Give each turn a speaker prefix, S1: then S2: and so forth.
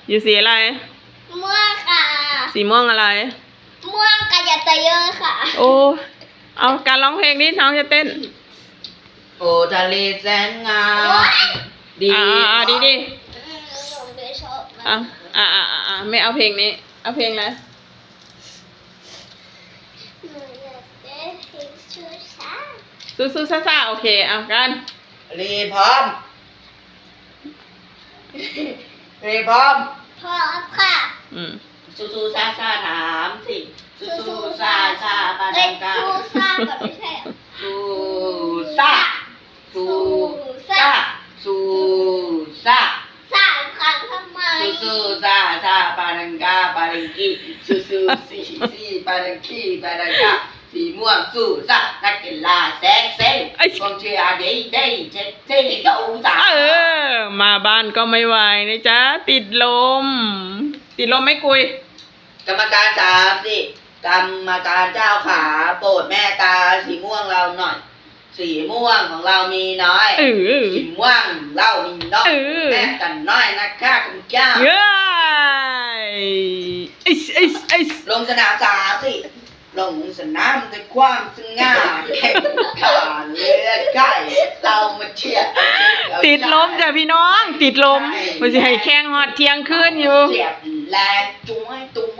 S1: อยู่สีอะไร
S2: ม่วงค่ะ
S1: สีม่วงอะไร
S2: ม่วงกายตเยอะค่ะ
S1: โอ้เอาการร้องเพลงนี้น้องจะเต้น
S3: โอ้ทะเลแสนงามดี
S1: ดีดี
S2: หนูไม่ชอบ
S1: ไม่เอาเพลงนี้เอาเพลงอะไร
S2: หนูอยากได้เพลงชูช้า
S1: สู้ซ่าโอเคเอากัน
S3: รีพร้อมรีพร้อม
S2: พร้อมค่ะ
S3: สู้ซ่าถามสิสู้ซ่าปาดังกา
S2: สู้ซ่าก่อนไม่ใช่เหรอ
S3: สู้ซ่า
S2: สามครั้งทำไม
S3: สู้ซ่าปาดังกาปาดังกีสู้สีปาดังกีปาดังกาสีม่วงสู้ซ่านักกีฬาแซงกองเชียร์ได้เจ็ดสู้ซ่า
S1: มาบ้านก็ไม่ไหวนะจ๊ะติดลมไม่กุย
S3: กรรมการสามสิกรรมการเจ้าขาโปรดแม่ตาสีม่วงเราหน่อยสีม่วงของเรามีน้อยสีม่วงเรามีน้อยแม่กันน้อยนะคะคุณเจ้าลงสนามสามสิลงสนามด้วยความสง่าแข่งขันเลือดไก่เรามาเชียร์
S1: ติดลมจ้ะพี่น้องติดลมมันจะให้แข่งฮอดเที่ยงคืนอยู่
S3: เสียบแรงจุ้ยตุ้ง